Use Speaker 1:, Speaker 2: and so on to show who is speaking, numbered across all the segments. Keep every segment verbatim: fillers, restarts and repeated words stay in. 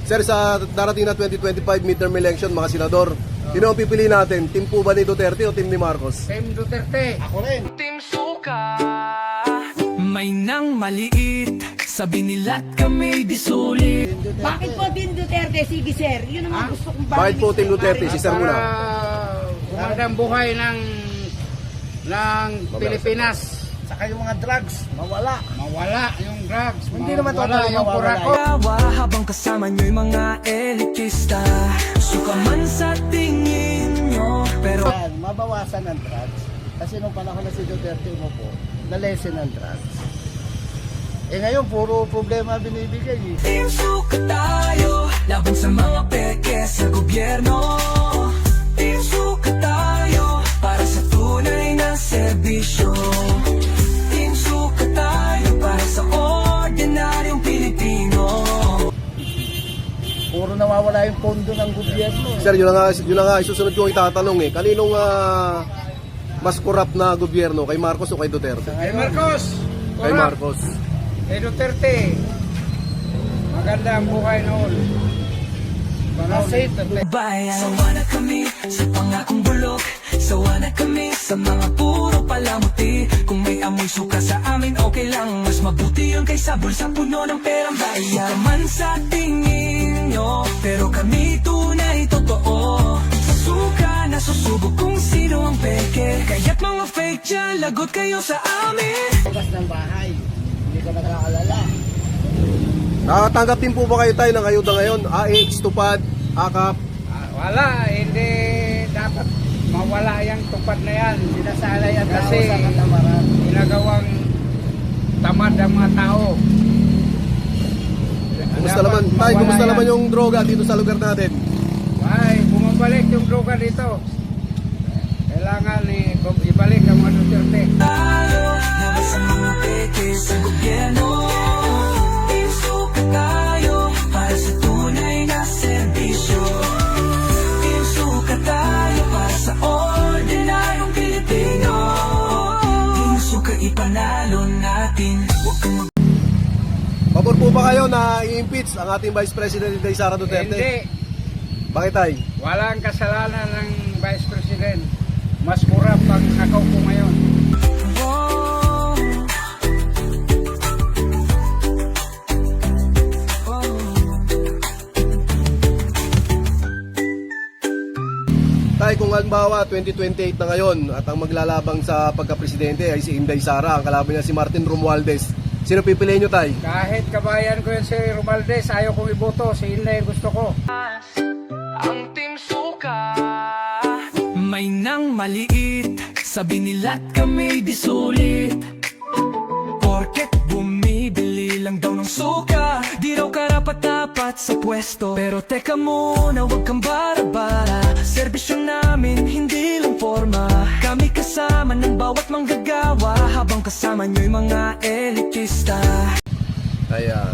Speaker 1: Sir, sa darating na twenty twenty-five midterm election, mga senador, sino ang pipili natin? Team po ba ni Duterte o team ni Marcos?
Speaker 2: Team Duterte.
Speaker 3: Ako rin.
Speaker 4: Team Suka, may nang maliit, sabi nila't kami di sulit.
Speaker 5: Bakit po din Duterte? Sige sir, yun
Speaker 2: Ha?
Speaker 5: naman gusto kong
Speaker 1: Bakit po Team Duterte? Si Sir muna.
Speaker 2: Para gumandang buhay ng ng Pilipinas.
Speaker 3: Saka yung mga drugs, mawala.
Speaker 2: Mawala yung drugs.
Speaker 3: Hindi naman
Speaker 2: mawala
Speaker 3: totally
Speaker 2: yung
Speaker 3: mawawala
Speaker 2: kurako.
Speaker 4: Tawa habang kasama nyo'y mga elitista, suka man sa tingin nyo, pero
Speaker 3: Yan, mabawasan ang drugs. Kasi nung panahon na si Duterte umupo, na-lessen ang drugs. Eh ngayon, puro problema binibigay eh.
Speaker 4: Team Suka tayo, laban sa mga peke sa gobyerno. Team Suka tayo, para sa tunay na serbisyo. Team Suka tayo, para sa ordinaryong Pilipino.
Speaker 3: Puro nawawala yung pondo ng gobyerno.
Speaker 1: Sir, yun na nga, yun na nga isusunod ko ang itatanong eh. Kaninong ah, mas corrupt na gobyerno? Kay Marcos o kay Duterte?
Speaker 2: Kay Marcos.
Speaker 1: Kay
Speaker 2: Corrupt.
Speaker 1: Marcos.
Speaker 2: Kay Duterte. Maganda ang buhay noon. Panahon ni Duterte.
Speaker 4: Bayan, sawa na kami sa pangakong bulok. Sawa na kami sa mga puro palamuti. Kung may amoy suka sa amin, okay lang. Mas mabuti yun kaysa bulsa puno ng perang bayan. Suka man sa tingin nyo, pero kami tunay totoo. Sa suka nasusubok kung sino ang peke. Kaya't mga fake dyan, lagot kayo sa amin.
Speaker 3: Labas ng bahay, hindi ka nakaalala.
Speaker 1: Nakatanggap din po ba kayo tayo ng ayuda ngayon? A X, Tupad, AKAP?
Speaker 2: Ah, wala, hindi dapat mawala yung tupad na yan.
Speaker 3: Sinasalay ang tao
Speaker 2: Kasi
Speaker 3: sa katamaran.
Speaker 2: ginagawang tamad ang mga tao.
Speaker 1: Kumusta
Speaker 2: Dapat
Speaker 1: naman? Tay,
Speaker 2: mawala
Speaker 1: kumusta
Speaker 2: yan.
Speaker 1: naman yung droga dito sa lugar natin?
Speaker 2: Ay, bumabalik yung droga dito. Kailangan eh, ibalik ang mga Duterte.
Speaker 4: Tayo, laban sa mga peke sa gobyerno. Team Suka tayo, para sa tunay na serbisyo. Team Suka tayo, para sa ordinaryong Pilipino. Team Suka ipanalo natin. Huwag kang mag-
Speaker 1: Pabor po ba kayo na i-impeach ang ating Vice President Inday Sara Duterte?
Speaker 2: Hindi.
Speaker 1: Bakit tay?
Speaker 2: Walang kasalanan ng Vice President. Mas kurap ang nakaupo ngayon.
Speaker 4: Oh. Oh.
Speaker 1: Tay, kung halimbawa twenty twenty-eight na ngayon at ang maglalabang sa pagka-presidente ay si Inday Sara, ang kalaban niya si Martin Romualdez, sino pipiliin nyo tay?
Speaker 2: Kahit kabayan ko yun si Romualdez, ayaw kong iboto. Si Inday gusto ko.
Speaker 4: Ang Team Suka, may nang maliit, sabi nila't kami di sulit. Porket bumibili lang daw ng suka, di raw karapat-dapat sa pwesto. Pero teka muna, huwag kang bara-bara, serbisyo namin hindi lang forma. Kami kasama ng bawat manggagawa, habang kasama nyo'y mga elitista.
Speaker 1: Ayan.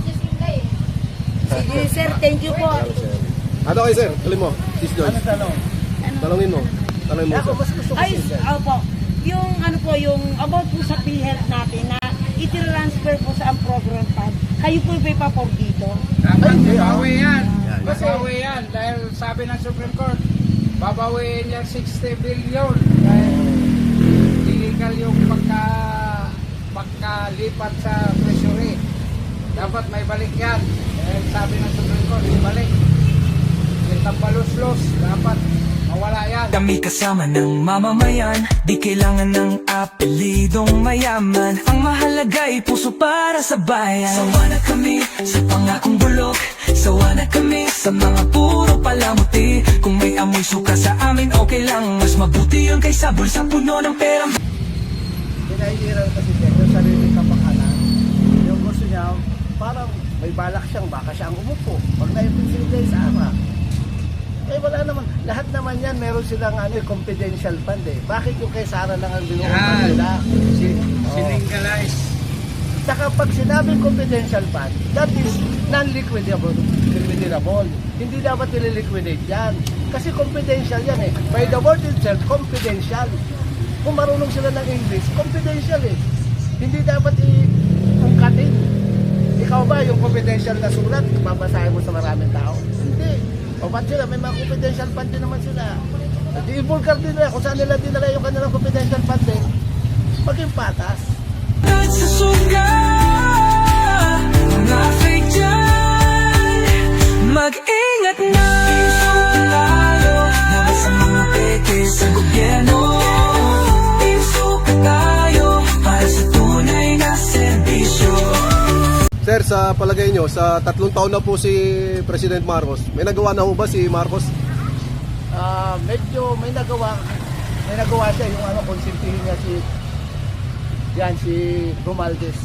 Speaker 5: Sige sir, thank you po.
Speaker 1: Ano kayo sir? Tuloy mo. Sis Joyce.
Speaker 3: Ano tanong?
Speaker 1: Talungin mo. Talungin mo
Speaker 3: Ako,
Speaker 1: sir.
Speaker 3: mas gusto ko
Speaker 5: Ay,
Speaker 3: siya.
Speaker 5: opo. Yung ano po, yung about po sa PhilHealth natin na i-transfer po sa ang program fund. Kayo po may papor dito.
Speaker 2: Dapat
Speaker 3: Ay, hindi,
Speaker 2: babawi yan.
Speaker 3: Kasi-
Speaker 2: Babawi yan. Dahil sabi ng Supreme Court, babawiin yan sixty billion. Dahil illegal yung pagka, pagkalipat sa treasury. Dapat may balik yan. Dahil sabi ng Supreme Court, ibalik. Yung tampalos-los, dapat mawala yan.
Speaker 4: Kami kasama ng mamamayan, di kailangan ng apelidong mayaman. Ang mahalaga ay puso para sa bayan. Sawa na kami sa pangakong bulok, sawa na kami sa mga puro palamuti. Kung may amoy suka sa amin, okay lang. Mas mabuti yun kaysa bulsa puno ng perang.
Speaker 3: Pinahihiran kasi siya yung sariling kapakanan. Yung gusto niya, parang may balak siyang baka siya ang umupo. Pag na-impeach si Inday Sara, eh wala naman. Lahat naman yan, meron silang ano, eh, confidential fund eh. Bakit yung kay Sara lang ang binuha
Speaker 2: Yan.
Speaker 3: nila?
Speaker 2: Sin-
Speaker 3: Oo.
Speaker 2: Siningalize.
Speaker 3: Saka pag sinabing confidential fund, that is non-liquidable. Liquidable. Hindi dapat nililiquidate yan. Kasi confidential yan eh. By the word itself, confidential. Kung marunong sila ng English, confidential eh. Hindi dapat i-ungkatin. ikaw ba yung confidential na sulat, babasahin mo sa maraming tao? Hindi. O ba't sila? May mga confidential fund din naman sila. At i-vulgar din nila kung saan nila dinala yung kanilang confidential fund din. Maging patas.
Speaker 4: At sa suka, mga fake dyan, mag-ingat na. Tayo, laban sa mga peke sa gobyerno. Suka tayo, para sa tunay na serbisyo.
Speaker 1: Sir, sa palagay nyo, sa tatlong taon na po si President Marcos, may nagawa na ho ba si Marcos?
Speaker 3: Ah, medyo may nagawa, may nagawa siya yung ano, konsintihin niya si, yan, si Romualdez.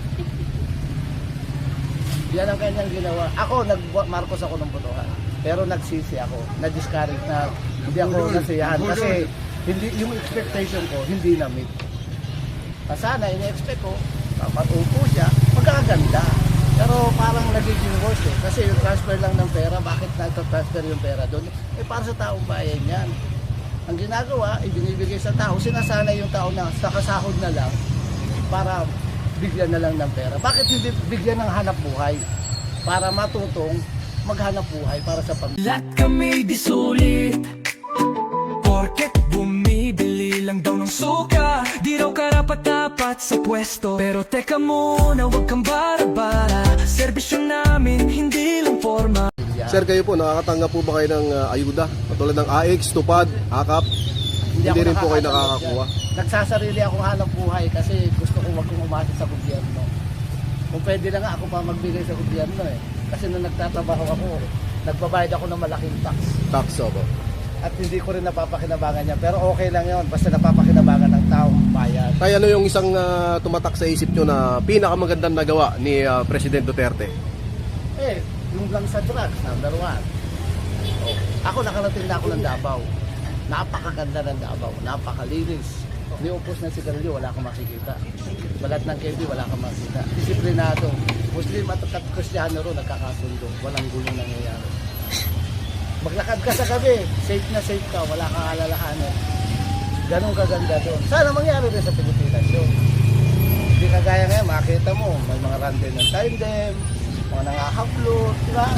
Speaker 3: Yan ang kanyang ginawa. Ako, nag Marcos ako ng botohan. Pero nagsisi ako, na-discourage na, hindi ako nasiyahan. Kasi hindi, yung expectation ko, hindi na-meet. Sana, ina-expect ko, dapat upo siya, magkakaganda. Pero parang nagiging worse eh. Kasi yung transfer lang ng pera, bakit nagka-transfer yung pera doon? Eh para sa taong bayan yan. Ang ginagawa, ibinibigay sa tao, sinasanay yung tao na sa kasahod na lang para bigyan na lang ng pera. Bakit hindi bigyan ng hanap buhay? Para matutong maghanap buhay para sa pamilya.
Speaker 4: Lahat kami di sulit, porket bumibili lang daw ng suka. Di raw karapat-dapat sa pwesto. Pero teka muna, huwag kang bara-bara. Serbisyo namin, hindi lang forma.
Speaker 1: Sir, kayo po, nakakatanggap po ba kayo ng uh, ayuda? Katulad ng A X, Tupad, AKAP? Hindi,
Speaker 3: ako
Speaker 1: rin po kayo
Speaker 3: nakakatanggap
Speaker 1: nakakakuha?
Speaker 3: yan. Nagsasarili akong hanap buhay kasi gusto ko wag kong umasa sa gobyerno. Kung pwede na nga ako pa magbigay sa gobyerno eh. Kasi nung nagtatrabaho ako, nagbabayad ako ng malaking tax.
Speaker 1: Tax, opo.
Speaker 3: At hindi ko rin napapakinabangan niya. Pero okay lang yun, basta napapakinabangan ng taong bayan.
Speaker 1: Kaya ano yung isang uh, tumatak sa isip nyo na pinakamagandang nagawa ni uh, President Duterte?
Speaker 3: Eh, yung lang sa drugs, number one. Oh, ako nakarating na ako ng Davao. Napakaganda ng Davao, napakalinis. Ni upos na sigarilyo, wala kang makikita. Balat ng K B, wala kang makikita. Disiplinado. Muslim at Kristiyano ro, nagkakasundo. Walang gulong nangyayari. Maglakad ka sa gabi, safe na safe ka, wala kang alalahanin. Ganun kaganda doon. Sana mangyari rin sa Pilipinas yun. Hindi kagaya ngayon, makita mo, may mga random ng tandem, mga nangahablot, di ba?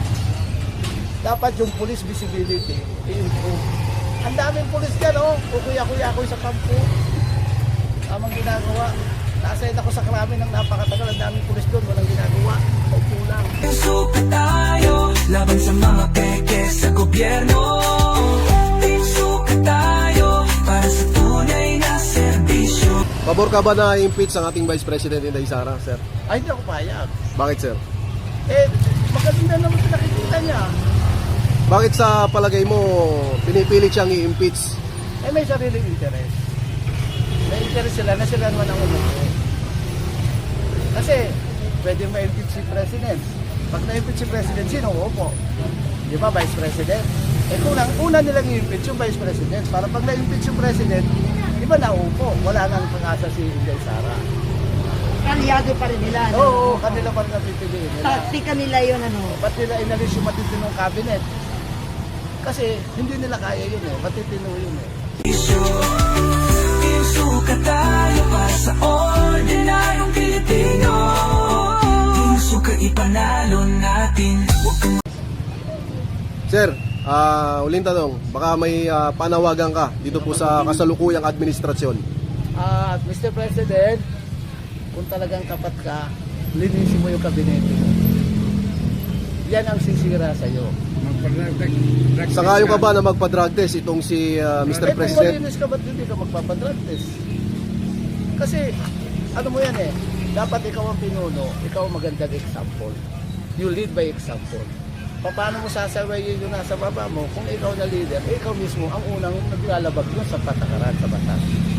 Speaker 3: Dapat yung police visibility i-improve. Ang daming police dyan, oh. Kukuya-kuya ako sa kampo. Tamang ginagawa. Nasayad ako sa krami ng napakatagal. Ang daming police doon, walang ginagawa. Paupo lang.
Speaker 4: Suka tayo, laban sa mga peke sa gobyerno. Suka tayo, para sa tunay na serbisyo.
Speaker 1: Pabor ka ba na impeach ang ating Vice President Inday Sara, sir?
Speaker 3: Ay, hindi ako payag.
Speaker 1: Bakit, sir?
Speaker 3: Eh, maganda naman pinakikita niya.
Speaker 1: Bakit sa palagay mo pinipilit siyang i-impeach?
Speaker 3: Eh, may sariling interest. May interest sila na sila naman ang umupo. Kasi, pwede ma-impeach si President. Pag na-impeach si President, sino uupo? Di ba, Vice President? Eh, kung lang, una nilang i-impeach yung Vice President, para pag na-impeach yung President, di ba nauupo? Wala nang pag-asa si Inday Sara.
Speaker 5: Kalyado pa rin nila.
Speaker 3: Oo,
Speaker 5: Ano?
Speaker 3: oo, kanila pa rin napipiliin nila.
Speaker 5: Taktika nila yun, ano.
Speaker 3: Ba't nila inalis yung matitinong cabinet? Kasi hindi nila kaya yun eh, matitino yun eh.
Speaker 4: Suka tayo para sa ordinaryong Pilipino. Suka ipanalo natin.
Speaker 1: Sir, uh, uling tanong, baka may uh, panawagan ka dito po sa kasalukuyang administrasyon.
Speaker 3: At Mister President, kung talagang tapat ka, linisin mo yung kabinete mo. Yan ang sisira sa'yo.
Speaker 1: Sangayon ka ba na magpa-drug test itong si uh, Mister
Speaker 3: Eh, kung
Speaker 1: President?
Speaker 3: malinis ka, ba't hindi ka magpapadrug test? Kasi, ano mo yan eh, dapat ikaw ang pinuno, ikaw ang magandang example. You lead by example. Paano mo sasawayin yung nasa baba mo kung ikaw na leader, eh, ikaw mismo ang unang naglalabag yun sa patakaran sa batas.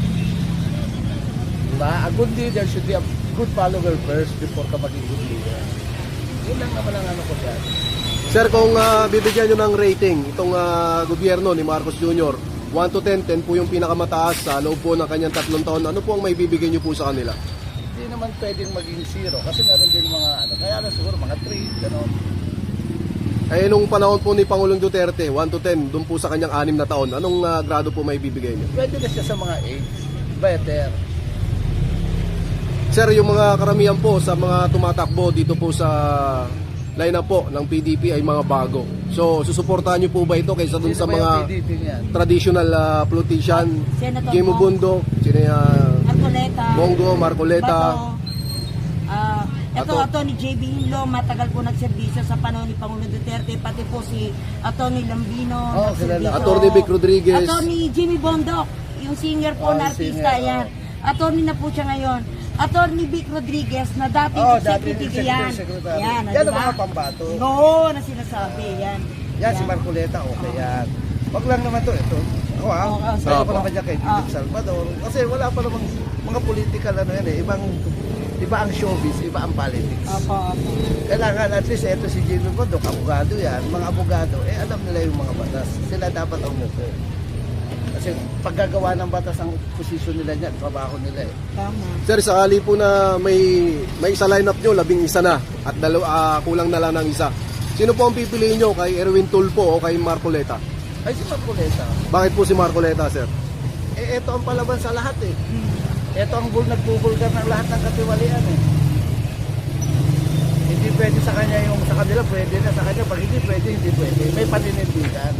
Speaker 3: Diba? A good leader should be a good follower first before ka maging good leader. Yun lang naman ang ano ko dyan.
Speaker 1: Sir, kung uh, bibigyan nyo ng rating itong uh, gobyerno ni Marcos Junior, one to ten, ten po yung pinakamataas sa loob po ng kanyang tatlong taon. Ano po ang may bibigyan nyo po sa kanila?
Speaker 3: Hindi naman pwedeng maging zero kasi meron din mga ano, kaya na siguro mga three, gano'n.
Speaker 1: Eh, nung panahon po ni Pangulong Duterte, one to ten, doon po sa kanyang anim na taon, anong uh, grado po may bibigay nyo?
Speaker 3: Pwede na siya sa mga eight, better.
Speaker 1: Sir, yung mga karamihan po sa mga tumatakbo dito po sa lineup po ng P D P ay mga bago. So, susuportahan niyo po ba ito kaysa dun
Speaker 3: Sino
Speaker 1: sa
Speaker 3: ba yung
Speaker 1: mga
Speaker 3: P D P niyan?
Speaker 1: traditional uh, politician?
Speaker 5: Senator
Speaker 1: Jimmy
Speaker 5: Bong.
Speaker 1: Bundo, sino uh,
Speaker 5: Arcoleta.
Speaker 1: Bongo, Marcoleta.
Speaker 5: Bato. Ah, ito,
Speaker 1: Ato-
Speaker 5: Atty. J B Hinlo, matagal po nagserbisyo sa panahon ni Pangulong Duterte, pati po si Atty. Lambino,
Speaker 3: Oh,
Speaker 5: nagserbisyo.
Speaker 3: kilala.
Speaker 1: Atty. Vic Rodriguez.
Speaker 5: Atty. Jimmy Bondok, yung singer po
Speaker 3: Oh,
Speaker 5: na
Speaker 3: yung
Speaker 5: artista,
Speaker 3: singer,
Speaker 5: yan.
Speaker 3: oh.
Speaker 5: Attorney na po siya ngayon. Atty. Vic Rodriguez, na dating
Speaker 3: Oh, dati
Speaker 5: executive
Speaker 3: executive
Speaker 5: yan.
Speaker 3: secretary.
Speaker 5: Yan,
Speaker 3: Yan ang
Speaker 5: diba?
Speaker 3: mga pambato.
Speaker 5: Oo, na sinasabi, yan.
Speaker 3: Yan, si Marcoleta, okay yan. Wag lang naman to, ito. Ako ha,
Speaker 5: Oo, oo,
Speaker 3: sayo
Speaker 1: sige.
Speaker 3: ko naman dyan kay Philip
Speaker 5: Ah.
Speaker 3: Salvador. Kasi wala pa namang mga political ano yan eh. Ibang, iba ang showbiz, iba ang politics.
Speaker 5: Opo, opo.
Speaker 3: Kailangan at least ito si Jimmy Bondok, abogado yan. Mga abogado, eh alam nila yung mga batas. Sila dapat ang umupo. Kasi paggagawa ng batas ang posisyon nila niyan, trabaho nila eh.
Speaker 5: Tama.
Speaker 1: Sir, sakali po na may may isa lineup nyo, labing isa na at dalawa, ah, kulang na lang ng isa. Sino po ang pipiliin nyo, kay Erwin Tulfo o kay Marcoleta?
Speaker 3: Ay si Marcoleta,
Speaker 1: Bakit po si Marcoleta, sir?
Speaker 3: eh ito ang palaban sa lahat eh. Ito ang bul nagbubulgar ng lahat ng katiwalian eh. Hindi pwede sa kanya yung sa kanila pwede na, sa kanya pag hindi pwede, hindi pwede. May paninindigan.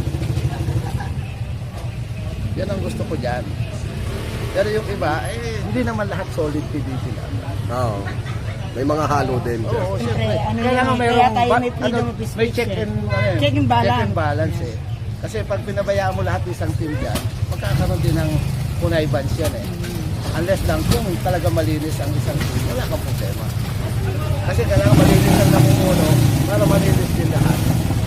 Speaker 3: Yan ang gusto ko dyan. Pero yung iba, eh, hindi naman lahat solid P D P lang.
Speaker 1: Oo. May mga halo din, sir.
Speaker 3: Oo,
Speaker 5: Siyempre,
Speaker 3: siyempre.
Speaker 5: ano
Speaker 3: Kailangan
Speaker 5: yun,
Speaker 3: mayroong
Speaker 5: kaya tayo
Speaker 3: ba-
Speaker 5: may freedom of
Speaker 3: may
Speaker 5: speech
Speaker 3: check
Speaker 5: eh.
Speaker 3: and, ano eh,
Speaker 5: Check and balance.
Speaker 3: check and balance eh. Kasi pag pinabayaan mo lahat ng isang team dyan, magkakaroon din ng kunay bunch yan eh. Unless lang kung talaga malinis ang isang team, wala kang problema. Kasi kailangan malinis ang namumuno para malinis din lahat.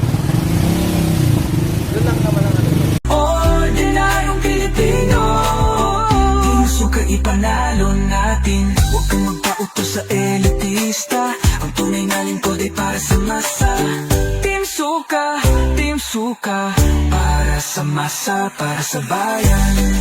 Speaker 3: Yun lang naman ang ano.
Speaker 4: Ordinaryong Pilipino, Team Suka ipanalo natin. Huwag kang magpauto sa elitista, ang tunay na lingkod ay para sa masa. Team Suka, Team Suka, para sa masa, para sa bayan.